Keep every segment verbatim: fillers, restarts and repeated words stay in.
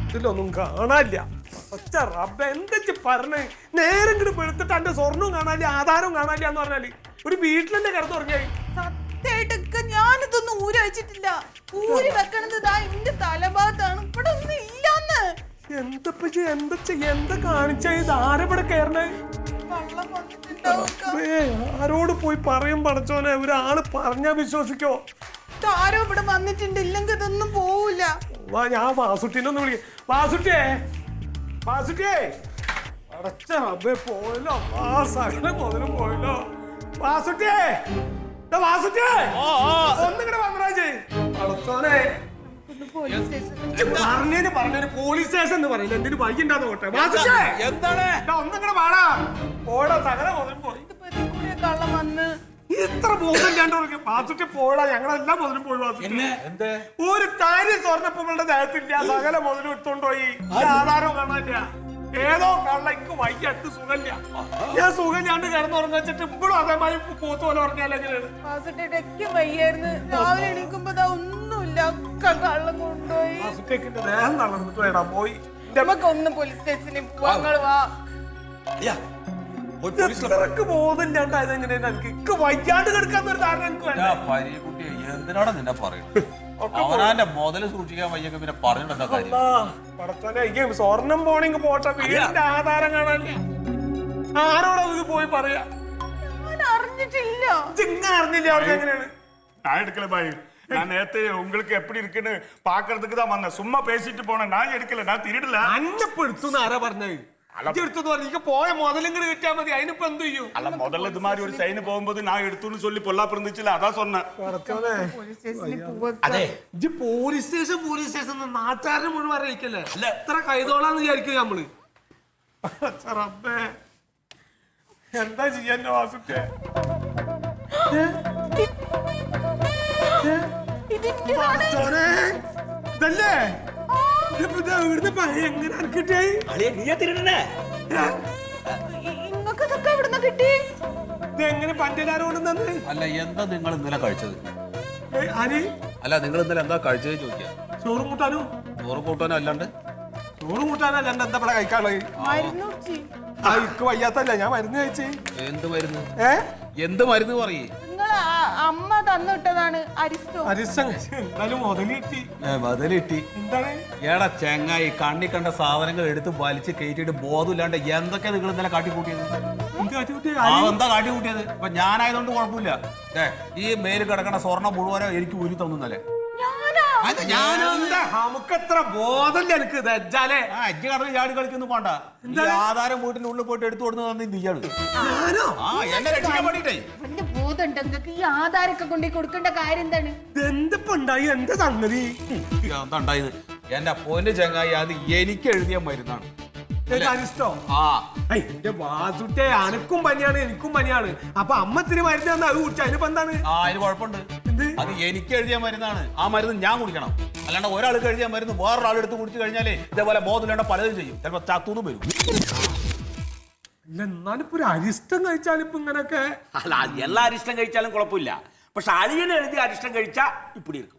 ഇതിലൊന്നും കാണാനില്ല. ഒറ്റ റബ്ബ എന്താ പറഞ്ഞേ? നേരം ഇങ്ങോട്ട് വെളുത്തിട്ട് എന്റെ സ്വർണ്ണവും കാണാനില്ല, ആധാരവും കാണാനില്ല എന്ന് പറഞ്ഞാല് ഒരു വീട്ടിലെന്നെ കിടന്നുറങ്ങിയായി. സത്യമായിട്ടൊക്കെ ഞാനിതൊന്നും ഊരി വെച്ചിട്ടില്ല. ഊരി വെക്കണത് ഇതാ എന്റെ തലഭാഗത്താണ്. ഇവിടെ ഒന്നും ഇല്ലാന്ന്. എന്തപ്പ എന്താ എന്താ കാണിച്ച ഇത് ആരെവിടെ കയറണേ? ആരോട് പോയി പറയും പടച്ചോനെ? ഒരാള് പറഞ്ഞാ വിശ്വസിക്കോ? ആരോ ഇവിടെ വന്നിട്ടുണ്ട്, ഇല്ലെങ്കിൽ ഇതൊന്നും പോവില്ല. ഞാൻ വാസുട്ടിനെ ഒന്ന് വിളിക്കാം. വാസുട്ടിയേ, വാസുട്ടിയേ, അടച്ച റബ്ബേ പോയല്ലോ. ആ സകല മുതലും പോയല്ലോ. വാസുട്ടിയേ, വാസുട്ടിയേ, ഒന്നിങ്ങടെ വന്നരാജേ. പടച്ചോനെ പറഞ്ഞേന് പറഞ്ഞൊരു പോലീസ് സ്റ്റേഷൻ എന്ന് പറയുന്നത് എന്തിനു വൈകിണ്ടാന്ന് പോട്ടെ. വാസുട്ടിയേ എന്താണ്? ഒന്നിങ്ങടെ വാടാ. പോടാ, സകല മുതലും പോയി. കള്ളം വന്ന് ഇത്ര ബോധം ഇല്ലാണ്ട് വാസുട്ടി പോടാ. ഞങ്ങളെല്ലാം മുതലും പോയി. വാസുട്ടി ഒരു കാര്യം സ്വർണ്ണപ്പുകളുടെ ദേഹത്തില്ല, സകല മുതലും എടുത്തോണ്ടോയി. ആധാരവും കാണാനില്ല. ഏതോ കള്ളക്ക് വയ്യട്ട് സുഖമില്ല. ഞാൻ സുഖമില്ലാണ്ട് കിടന്നുറങ്ങി വെച്ചിട്ട് ഇപ്പോഴും അതേമാതിരി പോത്ത് പോലെ പറഞ്ഞാലെങ്ങനെയാണ്? വയ്യായിരുന്നു. രാവിലെ എണീക്കുമ്പോ ഒന്നുമില്ല, കള്ളം കൊണ്ടുപോയി. വാസുട്ടിക്ക് ദേഹം നടന്നിട്ട് വേണം പോയി. നമുക്കൊന്ന് പോലീസ് സ്റ്റേഷനിൽ പോവാ. വാ ബോധമില്ലാണ്ട് അതെങ്ങനെയാണ് എനിക്ക് വയ്യാണ്ട് കിടക്കാന്നൊരു ധാരണ എനിക്ക് എന്തിനാണ് നിന്നെ പറയുന്നത്? അവനാന്റെ മുതല് സൂക്ഷിക്കാൻ വയ്യെങ്കിൽ പിന്നെ പറഞ്ഞിട്ടെന്താ കാര്യം? സ്വർണം പോണെങ്കിൽ പോട്ടെ, വീടിന്റെ ആധാരം കാണാനില്ല. ആരോടാ ഇത് പോയി പറയാ? അറിഞ്ഞിട്ടില്ല. ചിങ്ങ അറിഞ്ഞില്ല. അവർക്ക് എങ്ങനെയാണ്? நான் எடுக்கல பாய். நான் நேத்து உங்களுக்கு எப்படி இருக்குன்னு பாக்குறதுக்கு தான் வந்தேன். சும்மா பேசிட்டு போனேன். நான் எடுக்கல, நான் திருடல. അന്നപ്പെടുത്തുന്ന ആരാ പറഞ്ഞത്? എടുത്തു പറഞ്ഞ പോയ മുതലിങ്ങനെ കിട്ടിയാ മതി. അതിനിപ്പോ എന്ത് ചെയ്യും? அல்ல முதல்ல இது மாதிரி ஒரு சைன் போகும்போது நான் எடுத்துன்னு சொல்லி பொல்லாப்பு இருந்துச்சுல, அதான் சொன்னேன். അതെ, ഇജ്ജ് പോലീസ് സ്റ്റേഷൻ പോലീസ് സ്റ്റേഷൻ നാട്ടുകാരനെ മുഴുവൻ അറിയിക്കല്ലേ? അല്ല എത്ര കൈതോളാന്ന് വിചാരിക്കുക നമ്മള്. റബ്ബേ എന്താ ചെയ്യാൻ വാസുക്കെ? ഇതല്ലേ എങ്ങനെ കിട്ടിയായി? എങ്ങനെ പഞ്ചലാരോടും അല്ല, എന്താ നിങ്ങൾ ഇന്നലെ കഴിച്ചത്? ആര്? അല്ല, നിങ്ങൾ ഇന്നലെ എന്താ കഴിച്ചത് ചോദിക്കാം. ചോറ് കൂട്ടാനോ? ചോറ് കൂട്ടാനോ അല്ലാണ്ട്? ചോറ് കൂട്ടാനല്ലാണ്ട് എന്താ ഇവിടെ കഴിക്കാനുള്ളത്? എനിക്ക് വയ്യാത്തല്ല, ഞാൻ മരുന്ന് കഴിച്ച്. എന്ത് മരുന്ന്? ഏ എന്ത് മരുന്ന് പറയേ? അമ്മ തന്നിട്ടതാണ് അരിസ്റ്റോ. അരിസ്റ്റം എന്നാലും മുതലിട്ടി. മുതലിട്ടി എന്താണ്? ഏടാ ചെങ്ങായി, കണ്ണി കണ്ട സാധനങ്ങൾ എടുത്ത് വലിച്ച് കയറ്റിട്ട് ബോധമില്ലാണ്ട് എന്തൊക്കെയാ നിങ്ങൾ ഇന്നലെ കാട്ടിക്കൂട്ടിയത്? എന്താ കാട്ടിക്കൂട്ടിയത്? ഇപ്പൊ ഞാനായതുകൊണ്ട് കുഴപ്പമില്ല. ഏ ഈ മേല് കിടക്കണ സ്വർണ്ണം മുഴുവനോ എനിക്ക് ഊരി തന്നല്ലേ? നമുക്കെത്ര ബോധമില്ല എനിക്ക്. അജ്ജ് കടന്ന് ചാടി കളിക്കൊന്നും പോണ്ട. ആധാരം വീട്ടിന്റെ ഉള്ളിൽ പോയിട്ട് എടുത്തു കൊടുത്ത് തന്നെ നീയാണ്. എന്നെ രക്ഷിക്കാൻ വേണ്ടിട്ടേ ഈ ആധാരൊക്കെ കൊണ്ടു കൊടുക്കേണ്ട കാര്യം എന്താണ്? എന്തിപ്പുണ്ടായി? എന്താ സംഗതി? എന്താ ഉണ്ടായത്? എന്റെ പൊന്ന് ചങ്ങായി, അത് എനിക്ക് എഴുതിയ മരുന്നാണ്. വാസുട്ടെ അനക്കും പനിയാണ്, എനിക്കും പനിയാണ്. അപ്പൊ അമ്മത്തിന് മരുന്ന് തന്നാ അത് കുടിച്ച അതിനിപ്പോ എന്താണ്? ആ അതിന് കുഴപ്പമുണ്ട്. അത് എനിക്ക് എഴുതിയ മരുന്നാണ്. ആ മരുന്ന് ഞാൻ കുടിക്കണം. അല്ലാണ്ട് ഒരാൾക്ക് എഴുതിയ മരുന്ന് വേറൊരാൾ എടുത്ത് കുടിച്ചു കഴിഞ്ഞാലേ ഇതേപോലെ ബോധമില്ലാണ്ട് പലതും ചെയ്യും. ചിലപ്പോ ചത്തൂന്നും വരും. അല്ല എന്നാലിപ്പോ ഒരു അരിഷ്ടം കഴിച്ചാലിപ്പോ ഇങ്ങനൊക്കെ? അല്ല, എല്ലാ അരിഷ്ടം കഴിച്ചാലും കുഴപ്പമില്ല. പക്ഷെ അളിയൻ എഴുതി അരിഷ്ടം കഴിച്ചാ ഇപ്പിടി ഇരിക്കും.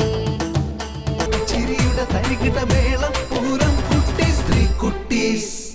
ചിരിയുടെ തരികിട മേളം പൂരം കുട്ടീസ് ത്രീ കുട്ടീസ്.